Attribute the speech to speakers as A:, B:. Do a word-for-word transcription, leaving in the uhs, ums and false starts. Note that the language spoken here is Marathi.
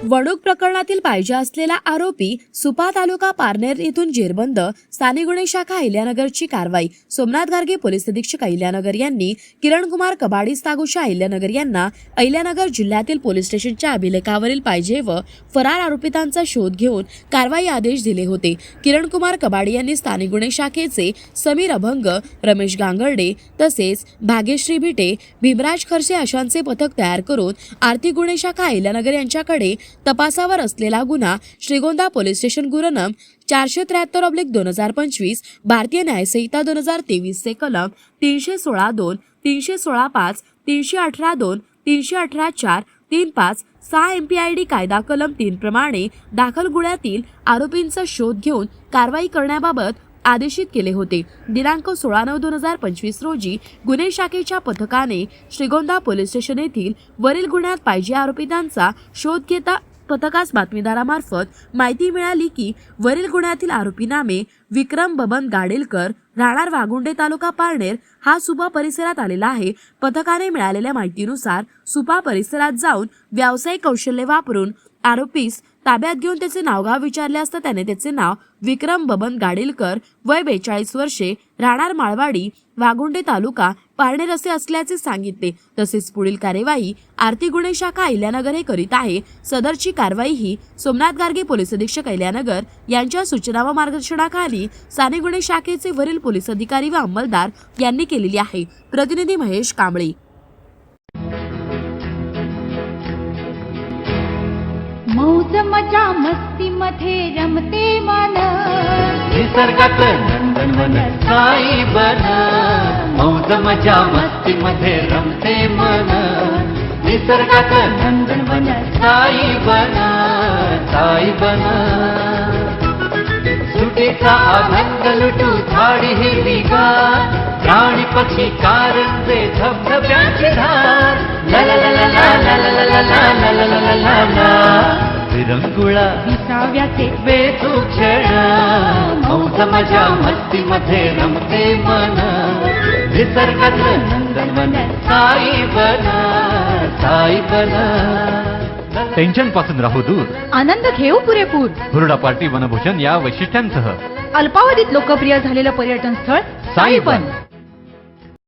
A: वणूक प्रकरणातील पाहिजे असलेला आरोपी सुपा तालुका पारनेर येथून जेरबंद. स्थानिक गुन्हे शाखा अहिल्यानगरची कारवाई. सोमनाथ गार्गे पोलीस अधीक्षक अहिल्यानगर यांनी किरण कुमार कबाडी सागुशा अहिल्यानगर यांना अहिल्यानगर जिल्ह्यातील पोलीस स्टेशनच्या अभिलेखावरील पाहिजे व फरार आरोपितांचा शोध घेऊन कारवाई आदेश दिले होते. किरण कुमार कबाडी यांनी स्थानिक गुन्हे शाखेचे समीर अभंग, रमेश गांगर्डे तसेच भाग्यश्री भिटे, भीमराज खरसे अशांचे पथक तयार करून आर्थिक गुन्हे शाखा अहिल्यानगर यांच्याकडे तपासावर असलेला गुन्हा श्रीगोंदा पोलीस स्टेशन गुरनम चारशे त्र्याहत्तर ऑब्लिक दोन हजार पंचवीस भारतीय न्यायसंहिता दोन हजार तेवीस चे कलम तीनशे सोळा दोन, तीनशे सोळा पाच, तीनशे अठरा दोन, तीनशे अठरा चार, तीन पाच सहा एम पी आय डी कायदा कलम तीन प्रमाणे दाखल गुन्ह्यातील आरोपींचा शोध घेऊन कारवाई करण्याबाबत आदेशित केले होते. दिनांक सोळा नऊ दोन हजार पंचवीस रोजी गुन्हे शाखेच्या पथकाने श्रीगोंदा पोलीस स्टेशन येथील वरील गुन्ह्यात पाहिजे आरोपितांचा शोध घेता पथकास बातमीदारामार्फत माहिती मिळाली की वरील गुन्ह्यातील आरोपी नामे विक्रम बबन गाडेलकर, राहणार वागुंडे, तालुका पारनेर हा सुपा परिसरात आलेला आहे. पथकाने मिळालेल्या माहितीनुसार सुपा परिसरात जाऊन व्यावसायिक कौशल्य वापरून आरोपीस ताब्यात घेऊन त्याचे नावगाव विचारले असता त्याने त्याचे नाव विक्रम बबन गाडेलकर, वय बेचाळीस वर्षे, राहणार माळवाडी, वागुंडे, तालुका पारनेर असे असल्याचे सांगितले. तसेच पुढील कार्यवाही आर्थिक गुन्हे शाखा अहिल्यानगर हे करीत आहे. सदरची कारवाई ही सोमनाथ गार्गे पोलीस अधीक्षक अहिल्यानगर यांच्या सूचना व मार्गदर्शनाखाली स्थानिक गुन्हे शाखेचे वरील पोलीस अधिकारी व अंमलदार यांनी केलेली आहे. प्रतिनिधी महेश कांबळे.
B: मौज मजा मस्ती मध्ये रमते मन,
C: निसर्गात नंदनवन साई बन. मौज मजा मस्ती मध्ये रमते मन, निसर्गात नंदनवन साई बन, साई बन. सुटीचा आनंद लुटू झाडी हिरवीगार, प्राणी पक्षी कारंजे धबधब्याची धार. ला ला ला ला ला ला ला ला ला ला ला ला ला. विरंगुळा
B: विसाव्याचे
C: बेतू क्षण, मौज मजा मस्ती मध्ये रमते मन, निसर्गात नंदनवन साई बन, साई बन.
D: टेन्शन पासून राहू दूर,
B: आनंद घेऊ पुरेपूर.
D: हुरडा पार्टी वनभूषण या वैशिष्ट्यांसह
B: अल्पावधीत लोकप्रिय झालेलं पर्यटन स्थळ साईबन.